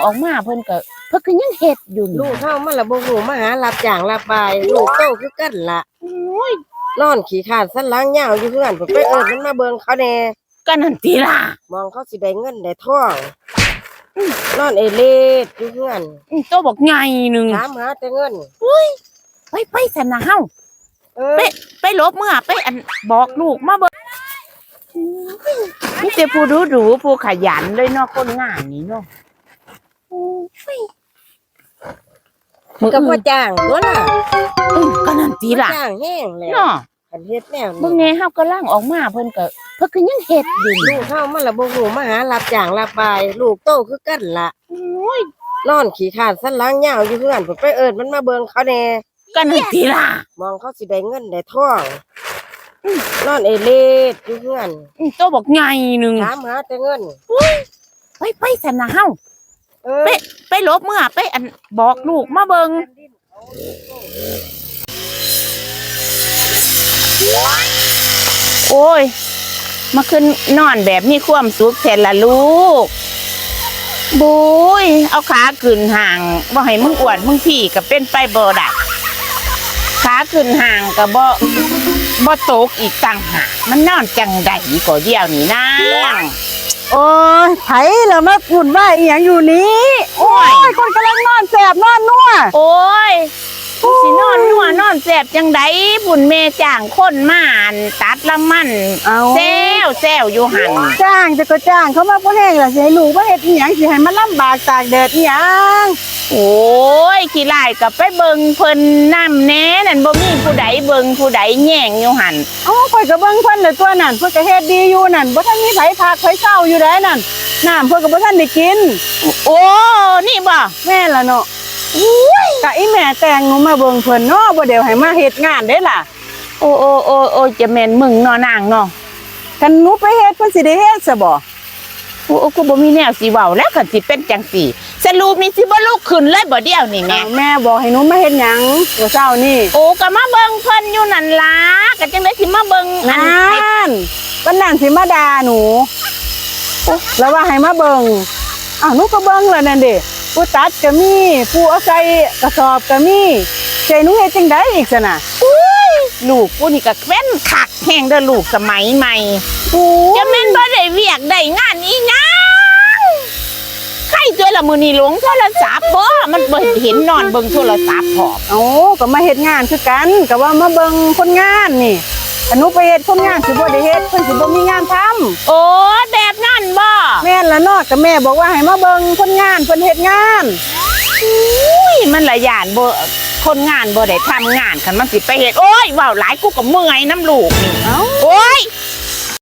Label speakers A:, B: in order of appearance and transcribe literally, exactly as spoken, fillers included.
A: ออกมาเพิ่นก็เพิ่นก็ยังเฮ็ดอยู่
B: ลูกเฮามันละบ่ฮู้มาหารับจ้างรับบายลูกโตคือกันล่ะ
A: โอ้ย
B: นอนขี้คร้านสันหลังยาวอยู่เฮือนไปเอิ้นมันมาเบิ่งเขาแน่
A: ก็นั่นติล่ะ
B: มองเขาสิได้เงินได้ทองนอนเอเลดอยู่เฮือน
A: โตบอกใหญ่นึง
B: ถามหาแต่เงิน
A: อุ้ยไปไปซะนะเฮาไปไปลบเมื่อไปอันบอกลูกมาเบิ่งนี่แต่ผู้ดูดูผู้ขยันเลยเนาะคนงานนี่เนาะ
B: มึงก็บ่จ้างตัวล่ะ
A: อือก็นั่นติล่ะ
B: จ้างแห้งแล้ว
A: เนาะ
B: คันเฮ็ดแนวนี้
A: เบิ่งแน่เฮาก็ล่างออกมาเพิ่นก็เพิ่นก็ยังเฮ็ดอยู่
B: ลูกเฮามันละบ่ฮู้มาหารับจ้างรับบายลูกโตคือกันล่ะ
A: โอ้ย
B: นอนขี้คร้านสันหลังยาวอยู่เฮือนไปเอิ้นมันมาเบิ่งเขาแน่
A: ก็นั่นติล่ะ
B: มองเขาสิได้เงินได้ทองนอนเอเลดอยู่เฮือน
A: โตบอกใหญ่นึง
B: ถามหาแต่เงิน
A: ไปไปซะนะเฮาไปไปลบเมื่อไปอันบอกลูกมาเบิ่งโอ้ยมาขึ้นนอนแบบมีความสุขแท้ละลูกบุยเอาขาขึ้นห่างบ่ให้มึงอ้วนมึงพี่ก็เป็นไปบ่ได้ขาขึ้นห่างก็บ่บ่ตกอีกต่างหากมันนอนจังได๋ก็เดียวนี่นาง
C: โอ้ยไผแล้วมาวุ่นวายอีหยังอยู่นี้โอ้ยคนกำลังนอนแสบนอนนัว
A: โอ้ยสินอนนัวนอนแสบจังไดบุญแม่จ้างคนมาตัดละมันแซวแซวอยู่หั่น
C: จ้างจะก็จ้างเขามาบ่แห้งล่ะสิให้ลูกมาเฮ็ดอีหยังสิให้มันลำบากตากแดดอีหยัง
A: โอ้ยขี้ลายก็ไปเบิ่งเพิ่นน้ำแน่นั่นบ่มีผู้ใดเบิ่งผู้ใดแย่งอยู่หั่น
C: เอ้าข่อยก็เบิ่งเพิ่นแล้วตัวนั่นเพิ่นก็เฮ็ดดีอยู่นั่นบ่ทันมีไผพักไผเช้าอยู่ได้นั่นน้ำเพิ่นก็บ่ทันได้กิน
A: โอ้นี่บ่
C: แม่ล่ะเนาะอุ้ยกะอีแม่แต่งหนูมาเบิ่งเพิ่นเนาะบ่เดี๋ยวให้มาเฮ็ดงานเด้ล่ะ
A: โอ้โอ้โอ้โอ้จะแม่นมึงเนาะนางเนาะ
C: คันหนูไปเฮ็ดเพิ่นสิได้เฮ็ดซะบ่
A: โอ้กูบ่มีแนวสิเว้าแล้วคันสิเป็นจังซี่สรุปนี่สิบ่ลุกขึ้นเลยบ่เดี๋ยวนี่แม่
C: แม่บอกให้หนูมาเฮ็ดหยังมื้อเช้านี่
A: โอ้ก็มาเบิ่งเพิ่นอยู่นั่นล่ะก็จังได๋สิมาเบิ่ง
C: อันนั้นวันนั้นสิมาด่าหนูแล้วว่าให้มาเบิ่งอ้าวหนูก็เบิ่งแล้วนั่นเด้ผู้ตัดก็มีผู้เอาใส่กระสอบก็มีใจหนูเฮ็ดจังได๋อีกซะน่ะ
A: อุ้ยลูกกูนี่ก็แว่นคักแฮงเด้อลูกสมัยใหม่จะแม่นบ่ได้เวียกได้งานอีหยังใครตัวละมื้อนี้หลงโทรศัพท์บ่มันบ่เห็นนอนเบิ่งโทรศัพท์พร้อม
C: เอ้าก็มาเฮ็ดงานคือกันก็ว่ามาเบิ่งคนงานนี่ถ้าหนูไปเฮ็ดคนงานสิบ่ได้เฮ็ดเพิ่นสิบ่มีงานทำ
A: โอ้แบบนั้นบ่
C: แม่นล่ะเนาะก็แม่บอกว่าให้มาเบิ่งคนงานเพิ่นเฮ็ดงาน
A: อุ้ยมันละย่านบ่คนงานบ่ได้ทำงานคันมันสิไปเฮ็ดโอ้ยเว้าหลายกูก็เมื่อยน้ำลูกนี่
C: เอ้า
A: โอ้ย